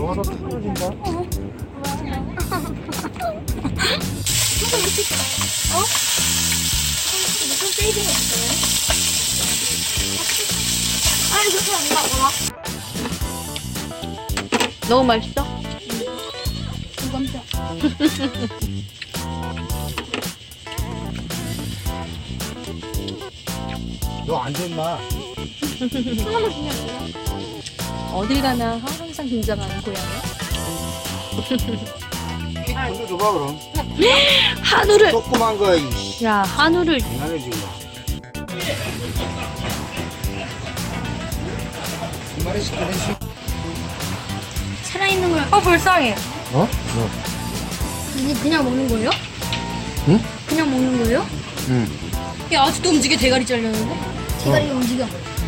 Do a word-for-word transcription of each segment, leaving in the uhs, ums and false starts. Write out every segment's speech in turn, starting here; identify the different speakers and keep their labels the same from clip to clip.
Speaker 1: 너가 더 떨어진다.
Speaker 2: 어? 무슨 세이빙 했어요? 아니 그렇게 안 나와.
Speaker 3: 너무 맛있어?
Speaker 2: 응. 깜짝.
Speaker 1: 너 앉아 임마.
Speaker 2: 하나만 주냐고요?
Speaker 3: 어딜 가나 항상 긴장하는 고양이.
Speaker 1: 한도 줘봐 그럼.
Speaker 3: 한우를!
Speaker 1: 조그만 거 이씨.
Speaker 3: 야, 한우를.
Speaker 1: 장난해 지금. 두 마리 시켜내시.
Speaker 2: 살아있는 걸
Speaker 3: 어, 불쌍해.
Speaker 1: 어? 뭐?
Speaker 2: 이게 그냥 먹는 거예요?
Speaker 1: 응?
Speaker 2: 그냥 먹는 거예요?
Speaker 1: 응.
Speaker 3: 야, 아직도 움직여. 대가리 잘렸는데?
Speaker 2: 대가리가 움직여.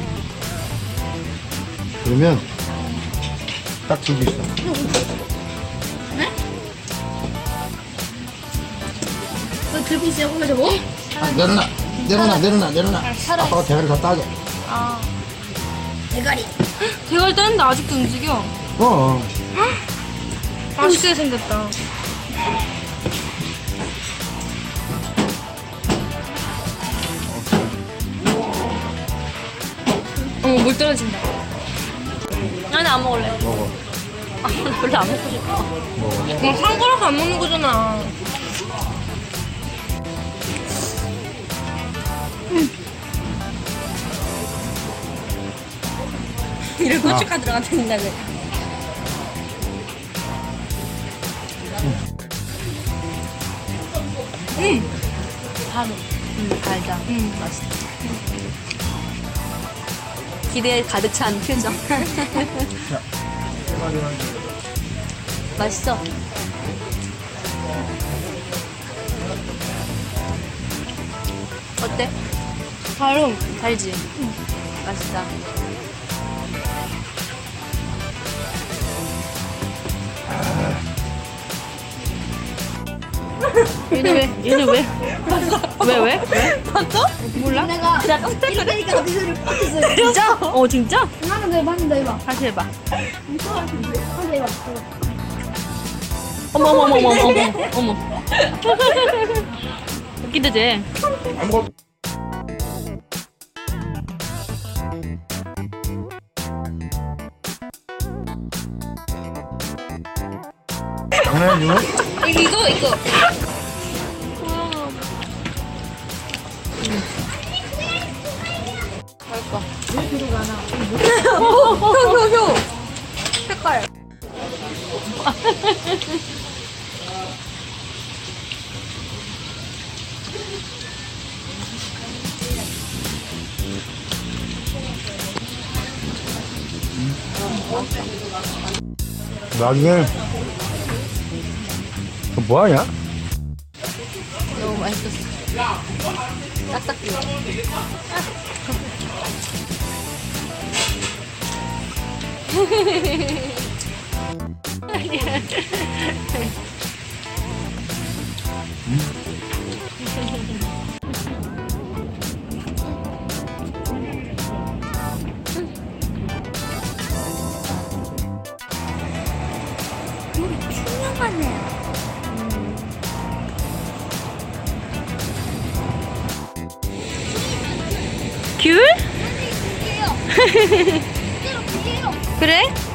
Speaker 1: 그러면 딱 들고 있어.
Speaker 2: 네? 너 들고 있어요? 혼자 저거?
Speaker 1: 아, 내려놔. 내려놔. 내려놔. 내려놔. 아빠가 대가리 다 따게.
Speaker 3: 아.
Speaker 2: 대가리.
Speaker 3: 대가리 떴는데 아직도 움직여.
Speaker 1: 어.
Speaker 3: 맛있게 생겼다. 어머, 물 떨어진다. 아니, 안 먹을래.
Speaker 1: 먹어.
Speaker 3: 아, 나 별로 안 먹고 싶어.
Speaker 1: 먹어.
Speaker 3: 그럼 한 거라서 안 먹는 거잖아. 이런 고춧가 들어간다는 데 음. 바로. 음, 달다. 음, 맛있다. 기대에 가득 찬 표정. 맛있어. 어때? 바로 달지? 응. 맛있다. 얘는 왜? 얘는 왜? 왜 왜? 왜? 봤어? 몰라?
Speaker 2: 내가
Speaker 3: 그냥 깜짝
Speaker 2: 이러니까 그 소리를 뻗었어요.
Speaker 3: 진짜? 어 진짜?
Speaker 2: 하나 더 해봐, 하나 더 해봐.
Speaker 3: 다시 해봐.
Speaker 2: 하나 더 해봐.
Speaker 3: 어머 어머 어머 어머 어머 어머. 웃기다 쟤.
Speaker 1: 안 먹어. 장난해 지금?
Speaker 3: 이거 이거. 맛있다.
Speaker 2: 왜 뒤로 가나?
Speaker 3: 효효효. 색깔.
Speaker 1: 나중에 너 뭐하냐?
Speaker 3: 너무 맛있었어. 딱딱 비워.
Speaker 2: 우리 투명하네.
Speaker 3: 귤?
Speaker 2: 이게요. 실제로 그게요.
Speaker 3: 그래?